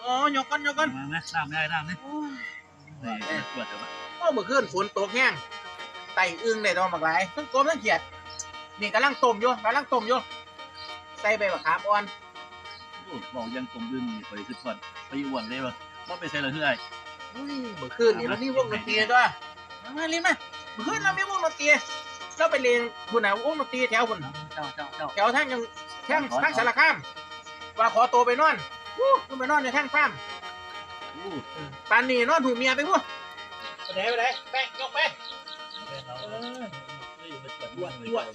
อ๋อยกกันมาไหมน้ำได้น้ำนี่ปวดเดี๋ยวมาเมื่อคืนฝนตกแห้งไต่อึ้งได้ตอนบักหลายทั้งกลมทั้งเขียดนี่กำลังต้มอยู่ใส่ใบมะขามอ่อนบอกยังกลมดึงไปคือปวดไปอ้วนเลยว่ะว่าไปใส่เลยเท่าไหร่เมื่อคืนนี่เรามีวงดนตรีด้วยมาลิ้นมาเมื่อคืนเรามีวงดนตรีเราไปเรียนคุณน่ะวงดนตรีแถวคุณเจ้าแถวทั้งสารคามว่าขอตัวไปนอนไปนอนในทั้งฟาร์มปานนี่นอนถูกเมียไปพวกไปไหนไปยกไปอ้วนไม่อ้วน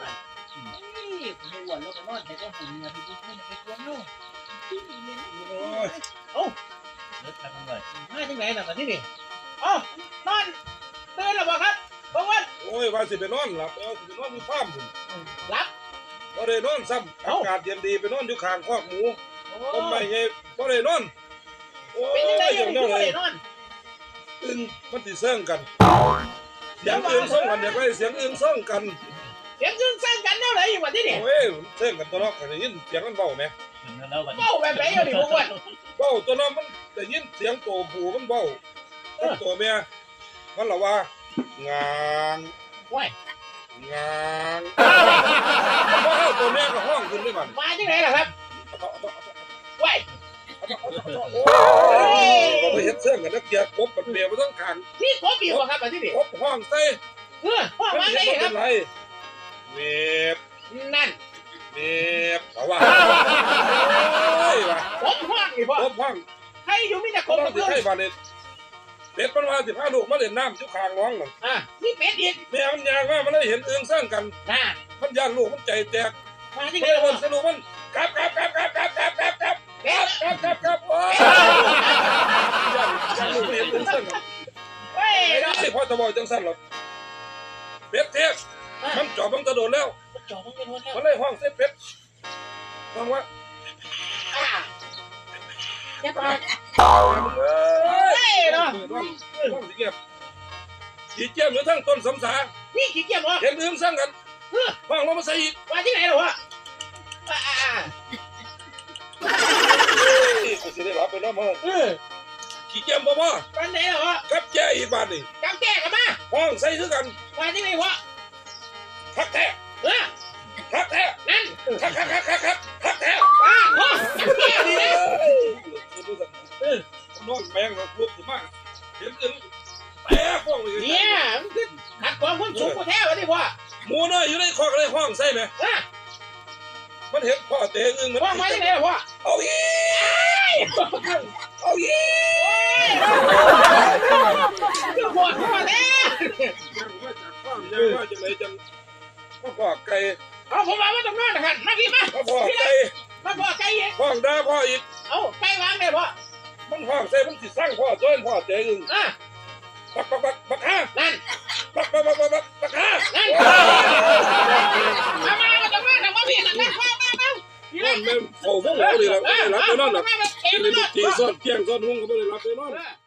แล้วไปนอนแต่ก็หุ่นเมียไปพุ่งไปกวนนู่นเอ้าเลิกกันเลยมาที่ไหนน่ะมาที่นี่อ๋อนอนตื่นแล้วบ่ครับบ่วันโอ้ยว่าสิไปนอนหลับสิไปนอนอยู่ฟาร์มหลับบ่ได้นอนซ้ำอากาศเย็นดีไปนอนอยู่ข้างคอกหมูต้นไม้ใหญ่บ่ได้นอนโอ้ยอย่างนี้บ่ได้นอนอึ้งมันสิเซิงกันเสียงอึ้งซ่องกันเดี๋ยวไปเสียงอึ้งซ่องกันเสียงอึ้งซ่องกันแนวไหนอยู่วันที่นี่โอ้ยเซิงกันตัวน้องได้ยินเสียงมันเบาไหมเบาแบบไหนอยู่นี่พวกวันเบาตัวน้องมันได้ยินเสียงโตผู้มันเบาตัวเมียมันละว่างานว้ยงานตัวแม่ก็ห้องขึ้นด้วยมันมาที่ไหนล่ะครับว้ยก็ไปเห็นเสื้อกันนักเกียร์กบมันเปลี่ยนมาต้องขังนี่กบอยู่ครับมาที่นี่กบห้องใส่ห้องมาไหนครับเวฟนั่นเวฟแต่ว่ากบห้องนี่พ่อกบห้องให้อยู่มีแต่กบที่ให้มาเนี่ยเป็ดมันมา15 ลูกมาเล่นน้ำจุกคางน้องหนึ่งนี่เป็ดอีกแม่มันยางว่ามันได้เห็นเอื้องสร้างกันมันย่านลูกมันใจแตกมาที่ไหนมันสนุกมันกลับโอ้ยย่านลูกเห็นเอื้องสร้างกันไม่พอจะบอกจังสั้นหรอกเป็ดเทพมันจอบมันกระโดดแล้วมันเลยห้องเส้นเป็ดห้องว่าจะไปเนาะห้องสีเกียบขี้เกียบหรือทั้งต้นสำสานี่ขี้เกียจเหรอเห็นเอื้องสร้างกันห้องเรามาใส่อีกว่าที่ไหนหรอวะก็จะได้รับไปแล้วมั้งขี้เกียจบ่บ่วันไหนหรอกับแก่อีกบ้านนี่กับแก่กันมาห้องใส่คือกันว่าที่ไหนวะทักแท้ทักแท้นั่นทักแท้ว้าพ่อแก่ดีนะนอนแมงลุกขึ้นมาเห็นอึ้งแป๊ะฟ้องเลยเนี่ยมันคือขัดความคุ้นสูงกว่าแท้วะนี่พ่อหมูน้อยอยู่ในคอกในห้องใส่ไหมมันเห็นพ่อเตะอึ้งมันพ่อมาที่ไหนพ่อเอาอีคือพ่อแท้ยังมาจากฟาร์มยังมาจากไหนจังพ่อไก่เอาผมมาตรงนั้นนะครับมาพี่มาพ่อไก่มาพ่อไก่อีกห้องด่าพ่ออีกเอาไก่วางเลยพ่อมันห้องใส่มันสิสร้างพ่อจ้อยพ่อเตะอึ้งปักฮะนั่นปักฮะนั่นมาตรงนั้นนะมาพี่นั่นมานี่แม่โอ้โหเลยเราไม่ได้รับไปนอนหรอกตีซ่อนเที่ยงซ่อนหุ้งก็ไม่ได้รับไปนอน